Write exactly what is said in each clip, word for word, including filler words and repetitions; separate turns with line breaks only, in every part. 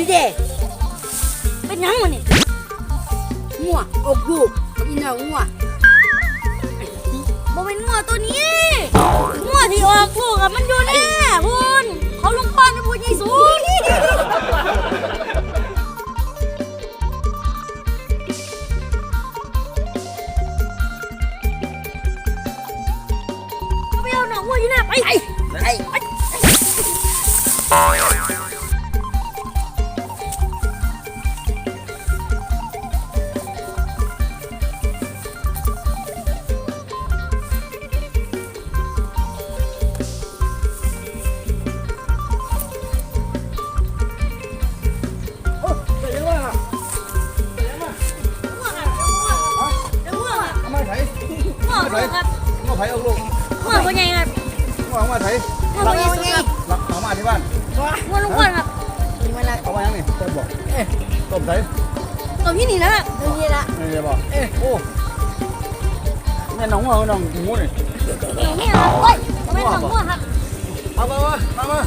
นี่เด้เป็นยังวะนี่งัวอกลูกนี่เนางัวบ่เป็นงัวตัวนี้งัวที่ออกลูกอะมันอยู่แน่พูนเขาลงป้อนนะพูนยี่สูงไปเอาหนังงัวอยู่หน้าไปไปไป
ง้อไผ่เอาลูก
ง้อเป็นไงครับ
ง้อมาไผ่
ง้อเป็นไงครับ
เอามาที่บ้าน
ง้อลุงอ้วนครับ
เอามายังนี่ต้มบอกต้มไผ่
ต้มที่นี่นะต้มที่ละ
นี่บอกเอ๊ะโอ้แม่น้องง้อน้องหมูนี่
นี่ครับโอ้ยไม่น้องง้อครับ
เอามามามา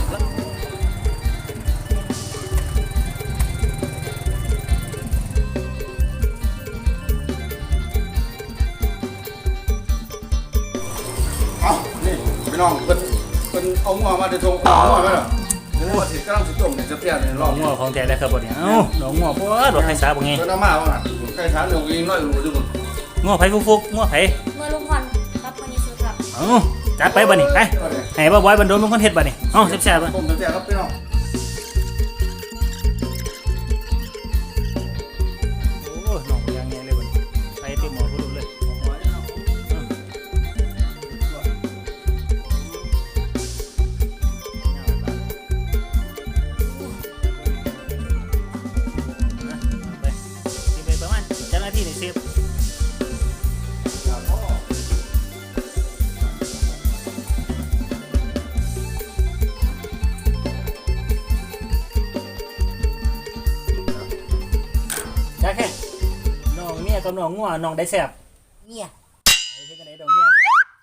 พี่น้องเป็นเป็นเอาหัวมาจะทงเอาหัวไหมล่ะหัวสิกำลังสิต้มเนี่ยจะเปรี้ยวเนี่ยลอง
หัวของแท้ได้ครับบ่เนี่ยเอ้าดอกหัวบ่ดอกไข่สาบ่ไง
เป็นน้ำมาบ้างอ่ะไก่ช้างหนึ่งยิงน้อยรู้จุ๊บ
หัวไผฟุกๆหัวไผ
หัวลุงพรครับคนนี้ซื้อครับ
เอ้าจัดไปบ่นี่ไปให้บ่บอยบันโดนลุงคนเฮ็ดบ่นี่เอ้าแซ่บๆบ่
ต้มแซ่บครับพี่น้อง
โอ้น้องยังไงเลยบ่นี่ไปเต็มหม้อพุ่นเลยที่ในเซฟจ้าแค่น้องเมียกับน้องงัวน้องได้แซ่บ
เมีย
ไอ้เช่นกันไหนดอกเมีย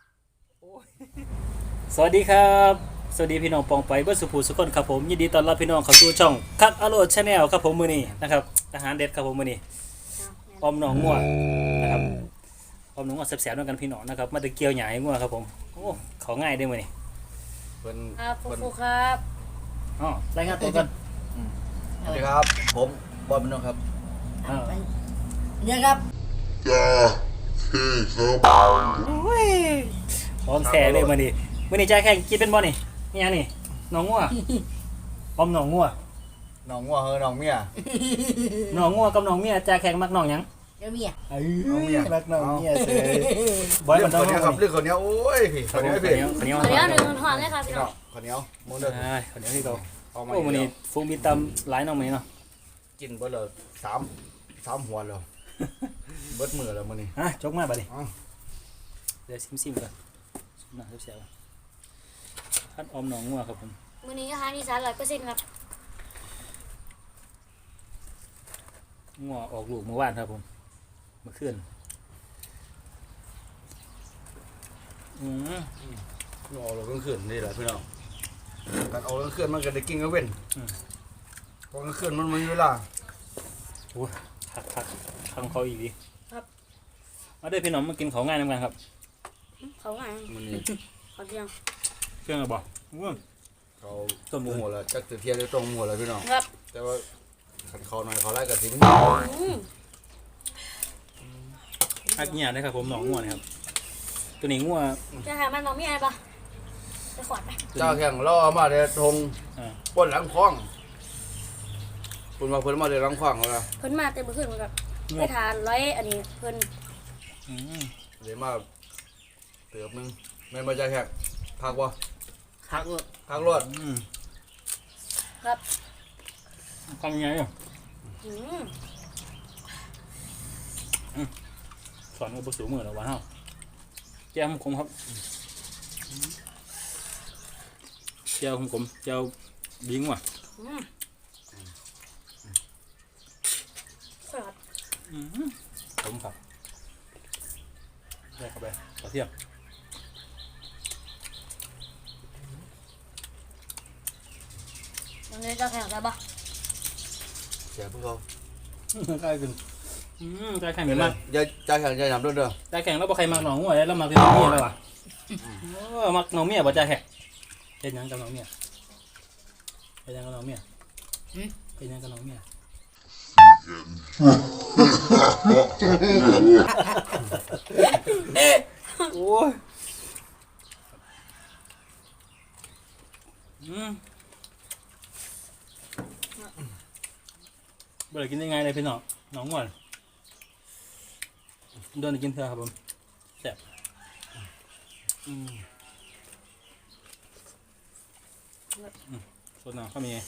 สวัสดีครับสวัสดีพี่น้องปองไปเบิ้ลสุภูสุขคนครับผมยินดีต้อนรับพี่น้องเข้าสู่ช่องคักอโรดชาแนลครับผมมื้อนี้นะครับอาหารเด็ดครับผมมื้อนี้อมหนองงัวนะครับอมหนองงัวแซ่บๆด้วยกันพี่น้องนะครับมาตะเกียวหยาให้งัวครับผมโอ้เขาง่ายได้มั้ยนี่
เป็นครับฟูครับ
อ๋อรายงานตัวกัน
สวัสดีครับผมบอลมโนครับ
เนี่ยครับ
จ้าที่ครับโอ้ยพร้อมแท้เลยมื้อนี้มื้อนี้ใจแข่งกินเป็นบ่นี่นี่ยังนี่หนองงัวอมหนองงัว
หนองงัวเฮ้ยหนองเมีย
หนองงัวกับหนองเมียใจแข่งมักหนองหยัง
เมีย
เอ้ยรักน้องเมียเสย
บอยมันต้องครับเรื่องคนนี้โอ้ยพี่คนนี้พี่
คนนี้
คนนี้หนึ่งทอนเลยครับพี่น้อง
คนนี้มุนเด้อ
คนนี้ที่เขาโอ้มันนี่ฟูมีตำหลายน้องมั้ยเนาะ
กินเบิดเลยสามสามหัวแล้วเบิดมือแล้วมื้อนี้
ฮะจกมาบัดนี้เดี๋ยวซิมๆก่อนน่าเสียวๆพัดอมหนองงัวครับผม
มื้อนี้อาหารอีสาน ร้อยเปอร์เซ็นต์ ครับ
งัวออกลูกเมื่อวานครับผมเมื่อคืนอืม
งัวออกลูกกลางคืนนี่แหละพี่น้องการออกกลางคืนมันก็ได้กินกลางเว้นออกกลางคืนมันมีเวลา
โอ้คักคักทำเขาอีกดีครับมาด้วยพี่น้องมากินของง่ายน้ำกันครับ
เขาง่าย
มันนี่
เขาเที่ยง
เครื่องอะไรบ่ง่วง
เขาต้มหัวแล้วจักเทียนได้ต้มหัวแล้วพี่น้อง
ครับ
แต่ว่าขันคอหน่อยเขาไล่กระถิ่น
อักเงียนะครับผมหนองงัวนะครับตัวนี้งัว
จะหามันน้องมีอะไรปะไปขอดไป
เจ้าแข่งล่อมาเดี๋ยวทงปนหลังคล้องปนมาเพิ่นมาเดี๋ยวหลังคล้องแล้ว
เพิ่นมาเต็มขึ้นเหมือนกันไปทานร้อยอันนี้เพิ่น
เดี๋ยวมาเติบนึงแม่มาจะแข่งพักวะ
พัก
พักรถ
ครับ
ทำยังไงอ่ะสอนกับบุษมือแล้ววะเฮาแก้วขมครับแก้วขมแก้วดิ้งว่ะผมครับได้เข้าไปกระเทียม
วันนี้จะแข่งใช่ปะ
เสียพวกเขา
ใกล้ขึ้นอืมใกล้แข่งเหมือนมาก
อย่าใจแข็งใจหยำด้วยเด้อ
ใกล้แข่งแล้วบ่ใครมักหนองงัวแล้วมักน้องเมียแล้วว่ะโอ้มักน้องเมียบ่ใจแข่งเฮ็ดหยังกับน้องเมียเฮ็ดหยังกับน้องเมียเฮ็ดหยังกับน้องเมียโอ้ยอืมบ่ได้กินได้ไงเลยพี่น้องน้องงัวโดนกินเถอะครับผมแซ่บอืมอืมสดน้ำข้าวมีไง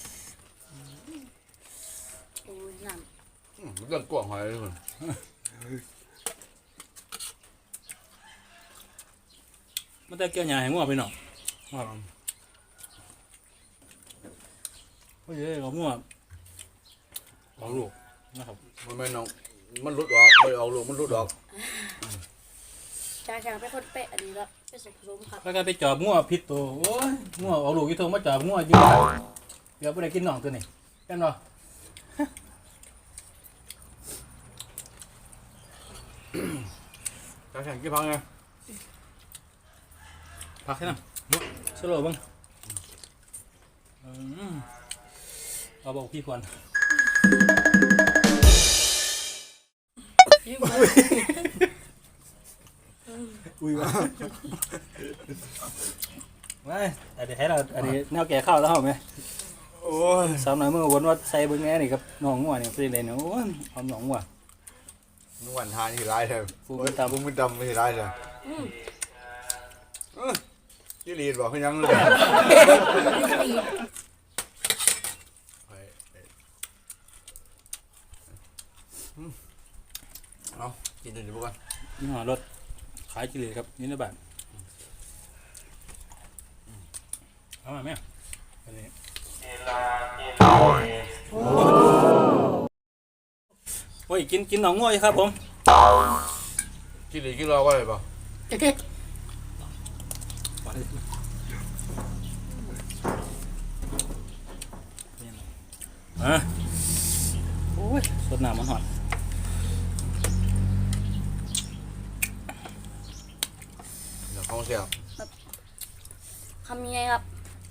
โอ้ยน้
อืมเรื่องกว้างหอยเลยคน
มันจะเกี่ยวหยาให้งัวไปหน่อยครับโอ้ยเอางัวเอาลูกนะครับ
มันไม่น้องมันหลุดออกไม่ออกลูกมันหลุดออก
ำจ่าแข็งเป็นคนเป๊ะอันนี้แล้วเป็นสุขสมครับ
แล้วก็ไปจอบงัวพิษตัวโอ้ยงัวเอาลูกยี่ทงมาจอบงัวอยู่เดี๋ยวไปได้กินหนองตัวนี้แค่นั้น
ใจแข็งกี่พังไง
พักให้น้ำสโลว์บ้างอืมเอาบอกพี่พร
ยิ่ง
อุ้ยวะไม่อันนี้ให้เราอันนี้แนวแก่ข้าวแล้วเหรอไหม
โอ้ย
สาวหน่อยเมื่อวันว่าใส่เบิ้งแง่นี่กับน้องงัวเนี่ยเป็นไรเนี่ยโอ้ยหอมน้องงัวน
วลทานที่ร้ายเลย
ฟูมิตาม
ฟูมิดำไม่ร้ายเลย
อืม
ยี่ลีดบอกเขายังเลยเอากินเดี๋ยวพวกกัน
นี่หอรถขายกิเลสครับนี่นะบ้านเอามาไหมอันนี้โอ้ยกินกินหนองงัวอยู่ครับผม
กินหรือกินรอว่าอะไรเปล่า
อ่ะโอ้ยสดน้ำมันหอด
เดี๋ยวของเสีย
คำยังไงครับ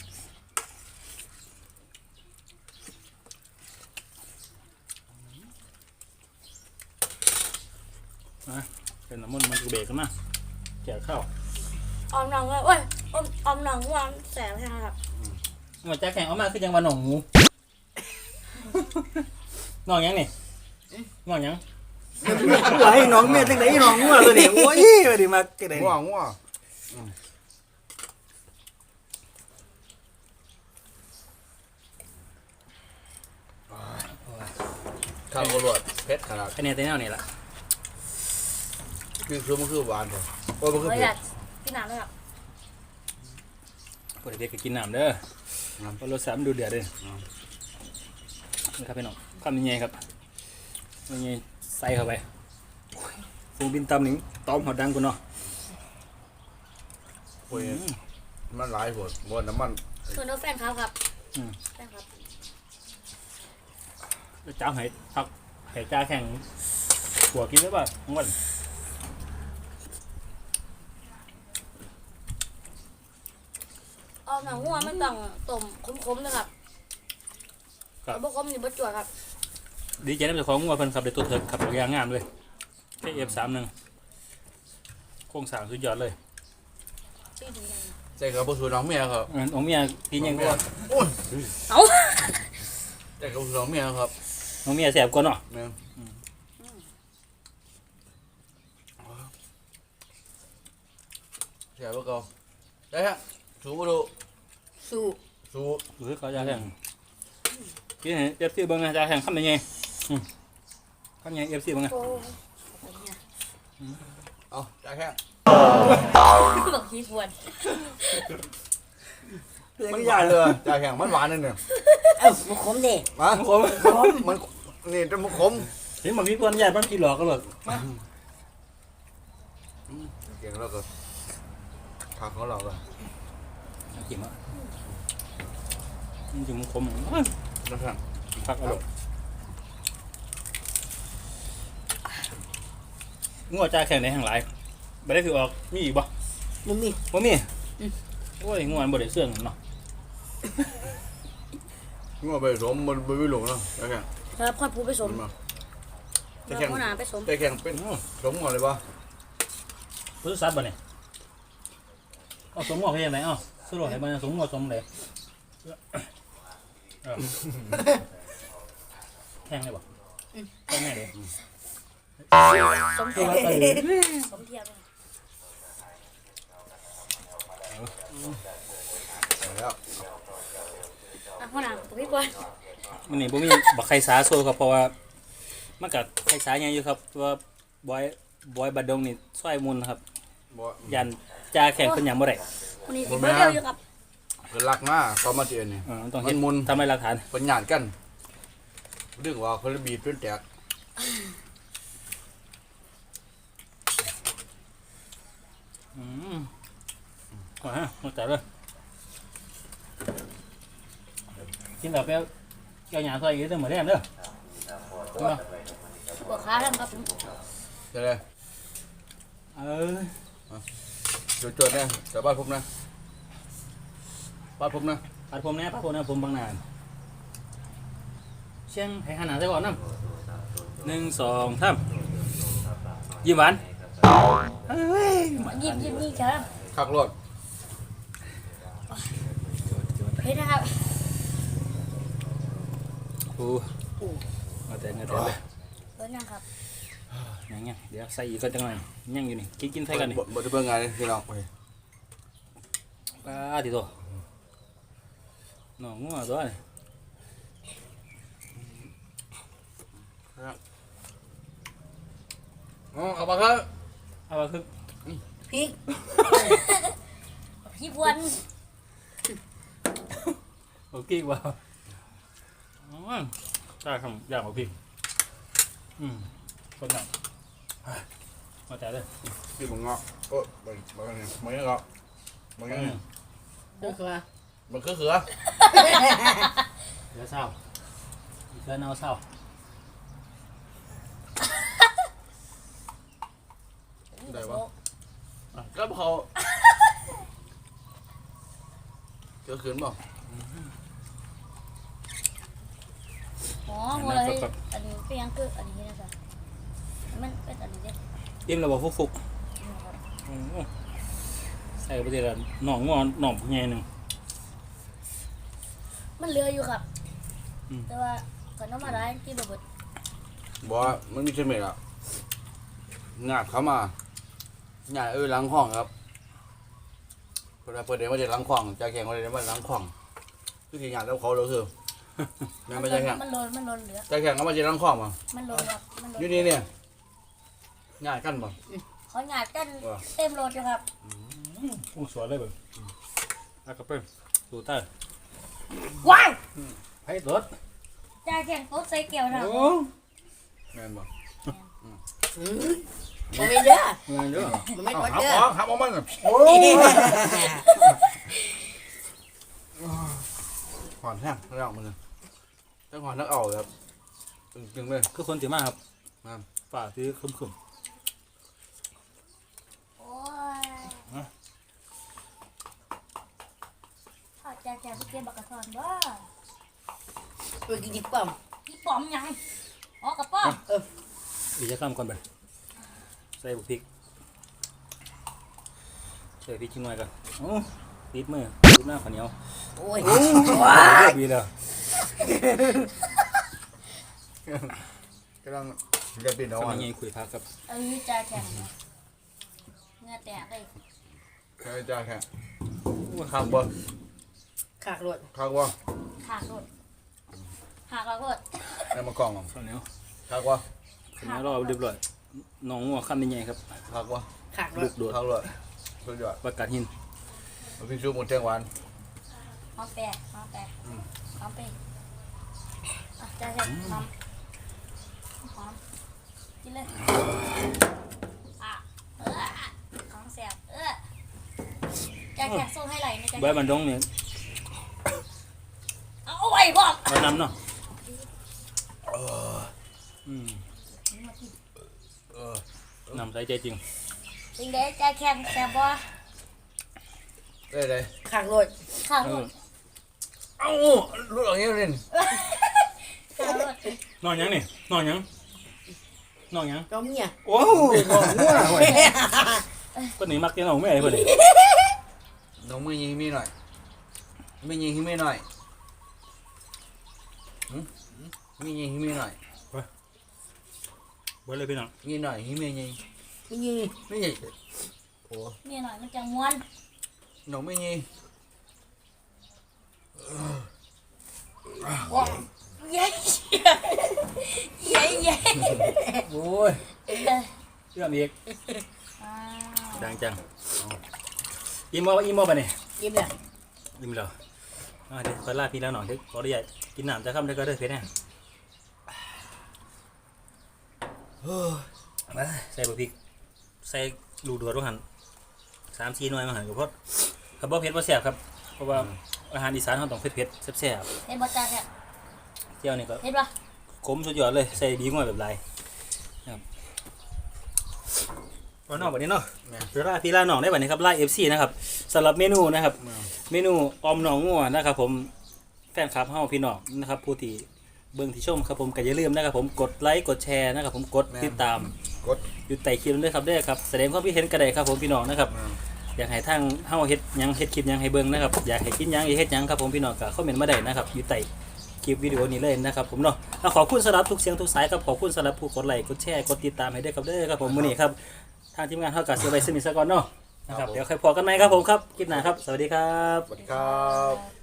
นะเป็นน้ำมันมันกระเบกกันมาแจกข้าว
ออมหนังเลยเว้ยอมออมหนังวางแสบใช่ไหมครับ
มาจากแข่งเอามาคือยังวันหนองงูนองยังนี่นองยังไหลน้องเมียจังไหนน้องงัวตัวนี้โอ้ยมาดิมาจังไหน
ง่วงง่วงข้าวกระโดดเพชรขนาด
คะแนนเต็มแนวนี่แหละ
คือคือมันคือหวานเลยโอ้ยมันคือ
เลย
เผ็
อ
ด
ยากพี่หนังเลยครับ
พอเด็กก็กินน้ำเด้อพอรสชาติมันดูเดือดเลยนี่ครับพี่น้องข้ามยังไงครับยังไงใส่เข้าไปฟูบินตำหนิงตอมหอดดังกูเนาะ
โอ้ยมันหลายผลบนน้ำมัน
คือน้องแฟนครับครับแฟนครับ
จ้าให้พักให้จ้าแข่งหัวกินได้ป่ะทั้งวัน
ออมหนังวัวไม่ต้องต้มคมๆนะครับแต่บ่คมนี่บ่จ่วยครับ
ดีใจได้เป็นของงัวเพิ่นขับได้ตัวเถิดขับยางงามเลยแค่เอฟสามหนึ่งโครงสร้างสุดยอดเลย
ชื่อถึงยัง
ใส่กับผู้สูน้องเมียครับ
อันของเมียกินยังก็
โอ้ย
เอา
ใส่กับผู้สูน้องเมียครับ
ของเมียแสบกว่าเนาะ
แม่เสียพวกเขาได้ฮะสูบดู
สู้
สูบ
หรือเขาจะแข่งกินเอฟซีเบิ้งนะจะแข่งข้ามยังไงข้ามยังเอฟซีเบิ้งนะ
โอ้
เอาได้แค่
บอกขี้ควร
มันหวานเลยจ่าแข็งมันหวานนั่นเนี่ย
เอ้าบ่คมดิ
มา
ขม
มันนี่จะมันขม
เห็นมันมีคนใหญ่มันกินหลอกกันหรอก
เก่งแล้วก็ขาของเราเลย
กินมั้ยมันจะมันขม
นะครับ
พักอร่อยงัวจ่าแข่งในแห่งหลายบ่ได้พี่ออกมีอีกบ่
มึงมี
บ่มีโอ้ยงัวมันบ่ได้เสื่องเนาะ
งัวไปสมมันไม่หลงเนาะแข่ง
ครับค่อยพูดไปสม
มา
แล้
แข่
ว
ง
หัวหน้าไปสม
แข่งเป็นสมงัวเลยปะ
รู้สัตว์บ่เนี่ยเอาสมงัวเฮ็ดจังได๋เอ้าสรุปให้มันสมงัวสมเลยเออแข่งได้บ่แข่งแม่เด้
สมเทียบสมเทียบ
แล้ว
อ่ะหัวหน้าผมพี่ก่อน
มันนี่บ่มีบักไข่สาโซครับเพราะว่ามันก็ไข่สาใหญ่อยู่ครับตัวบอยบอยบัดดงนี่ซอยมุนครับ
บ่
ยันจ่าแข่งเพิ่นหยังบ่ได้
วันนี้สิเบอร์เดียวอยู่ครับ
คือรักมากก็มาเจอนี่
เออต้องเฮ็ด
มันมุน
ทำให้หลักฐาน
เป็นหยาดกันเรื่องว่าคนละบีบเป็นแตก
อืมว่าฮะมาจัดเลยกินแล้วไปเอาแก้วหยาซอยอีกเด้อมื้อแรงเด้อกินบ่
ปวดขาทั้งครับ
ใช่เลย
เออ
จุดจุดเนี่ยแต่บ้านผมนะบ้านผมนะ
ปัดผมแน่ปัดผมแน่ผมบางนานเชียงให้หันหน้าใส่ก่อนนำหนึ่งสองสามยิ้มหวานเอ้ย
ยิบยิบนี่ครับ
ขักรถ
เฮ้ยนะครับ
โอ้เอาแต่เงาแต่เลย
เบอร์ยังครับ
ยังยังเดี๋ยวใส่อีกก็จังหน่อยยังอยู่นี่กินกินใส่กันนี่
บ่ได้เบิ่งไงพี่น้องไป
ปลาติโตน้องงัวตัวนี่
อ๋อเอามาครับ
เอาว่าคือ
พริกพี่พวน
โอเคว่าอ๋อจ้าคำอยากเอาพริกอืมคนหนักมาแต่เลย
พี่มึงเงาะโอ้ไปไปกันเนี่ยมึงเงาะมึง
อื
เงาะ
ม
เบอร์คือ
มันคือเขือ
เดี๋ยวเศร้าเดี๋ยวเอาเศร้า
ได้ปะก็เขาเขือขืนบ่
อ๋อหัวเลยอันนี้เป็นยังคืออันนี้นะครับมันเป็นอันนี้เด็ด
อิ่มแล้วบอกฟุกฟุกอืมใส่ไปเดี๋ยวหนองงอนหนองใหญ่หนึ่ง
มันเหลืออยู่ครับ
อืม
แต่ว่าก่อนน้ำมาได้กินบะเบิด
บ่มันมีเสม็ดอ่ะงาดเข้ามาหยาดเออล้างห้องครับเวลาเปิดเดี๋ยวมาเดี๋ยวล้างห้องจะแข่งมาเดี๋ยวมาล้างห้องคือที่หยาดแล้วเขาเราคือแม่ไม่ใช่แข่ง
มันลนมันลนเหลือ
จะแข่งก็มาเดี๋ยวล้างห้องมา
มันลนครับมันลน
อยู่นี่เนี่ยหยาดกันบ่
เขาหยาดกันเต็มรถอยู่ครับ
กุ้งสวนเลยเบิ่งแล้วก็เพิ่มสูเตอร์
ว้าย
ให้รถ
จ่าแข่งโต๊ะใส่เกี่ยวนะ
โอ้
แม่นบ่
บ่มีเด้อ
เงินเยอะ
บ่มี
เอา
คน
หับ
เด้อ
ออกหับออกมันโอ้หอนแห้งแล้วมันเลยต้องหอนนักเอาครับจึงๆเลย
คือคนถือมากครับ
ครับ
ฝ่าที่คุ้มคุ้ม
โอ้ยข้าจ่าแข่งไปเก็บบักกระทอนว่า
ไปกินดิบป้อม
พี่ป๋อมยังอ๋อกระป๋อม
อีกจะข้ามก่อนไปใส่บุกพริกใส่พริกชิ้นหน่อยก่อนโอ้ติดมือติดหน้าข้าวเหนียว
โอ้ย
ดีแล้ว
กำลังจะปิดเอา
ทำ
อ่ะ
ยังไงคุยพักครับ
เออจ่าแข่งเงือแตกเลย
ใช่จ้าแค่ข้างบ่
ขากรถ
ข้างบ่
หักรถหักแล้วรถ
ในมากล่อง
ข้าวเหนียว
ข้างบ่
ข้าวเหนียวรอเรียบร้อยน้องงัวข้ามยังไงครับ
ข้างบ่
ขากร
ลู
ถ
กโดด
ข้างเลยสุดยอด
ประกาศหิน
มันเป็นชูหมูแตงหวาน
หอมแปะหอมแปะหอมไปอ่ะจ่าแข่งหอมหอมกินเลยอ่ะเออของแสบเออจ่าแข่งส่งให้ไหลนะจ่า
ใบบันดงเนี่ย
เอาไว้บอก
ใบน้ำเนาะอืม
เออเอ
นำใจใจจริง
จริงเด้ใจแข็งแซ่บบ่
ได้เลย
ขากรถ
ข้าว
เอ
ร
อ
ถ
เอ้าลูกหลังนี้เล่น
ข้าวรถ
นอนยังนี่นอนยังนอนยัง
น้องเมีย
โอ้โหนอนง่วงเว้ยคนนี้มักจะนอนไม่ไอ้คนนี้
น้องมือยิงมีหน่อยมือยิงให้มีหน่อยหืมมือยิงให้มีหน่อย
เบิดเลยพี่น้อง
มีหน่อยให้มียิง
ไม่ยิง
ไม่ยิงโอ้
นี่หน่อยมันจะม้วน
น้องไม่ยิง
ว้าวเย้เย้เย้
โอ้ย
เอ้ย
เรื่องอีก
อ้าว
ดังจังอีโมอีโมไปนี่
ยิ้มเลย
ยิ้มแล้วอ่าเดี๋ยวขอลาพี่แล้วหน่อยเดี๋ยวขออนุญาตกินน้ำจะค่ำได้ก็ได้เพียงแน่มาใส่บะพริกใส่ลูกดวดว่าหันสามสี่หน่วยมาหันกับพอดขับบ่เผ็ดบ่แซ่บครับเพราะว่าอาหารอีสานเขาต้องเผ็ดเผ็ดๆแซ่บ
เห็นบ่จ้าแค่
ๆเที่ยวนี่ก็
เห็นบ่
ขมสุดยอดเลยใส่ดีง่วยแบบไรครับเอานอกแบบนี้เนาะ
แม่
เวลาพี่ลาหนองได้แบบนี้ครับไล่เอฟซีนะครับสำหรับเมนูนะครับ เมนูออมหนองงัวนะครับผมแฟนคลับเฮาพี่น้องนะครับผู้ที่เบิ่งที่ชมครับผมก็อย่าลืมนะครับผมกดไลค์กดแชร์นะครับผมกดติดตาม
กด
อยู่ใต้คลิปด้วยครับเด้อครับแสดงความคิดเห็นก็ได้ครับผมพี่น้องนะครับอยากให้ทางเฮาเฮ็ดหยังเฮ็ดคลิปหยังให้เบิ่งนะครับอยากให้กินหยังอยากเฮ็ดหยังครับผมพี่น้องก็คอมเมนต์มาได้นะครับอยู่ใต้คลิปวิดีโอนี้เลยนะครับผมเนาะเอาขอบคุณสำหรับทุกเสียงทุกสายครับขอบคุณสำหรับผู้กดไลค์กดแชร์กดติดตามให้ด้วยครับเด้อครับผมมื้อนี้ครับทางทีมงานเฮาก็สิไว้ซึ่งอีกสักก่อนเนาะนะครับเดี๋ยวค่อยพอกันใหม่ครับผมครับคลิปหน้าครับสวัสดีครับ
สวัสดีครับ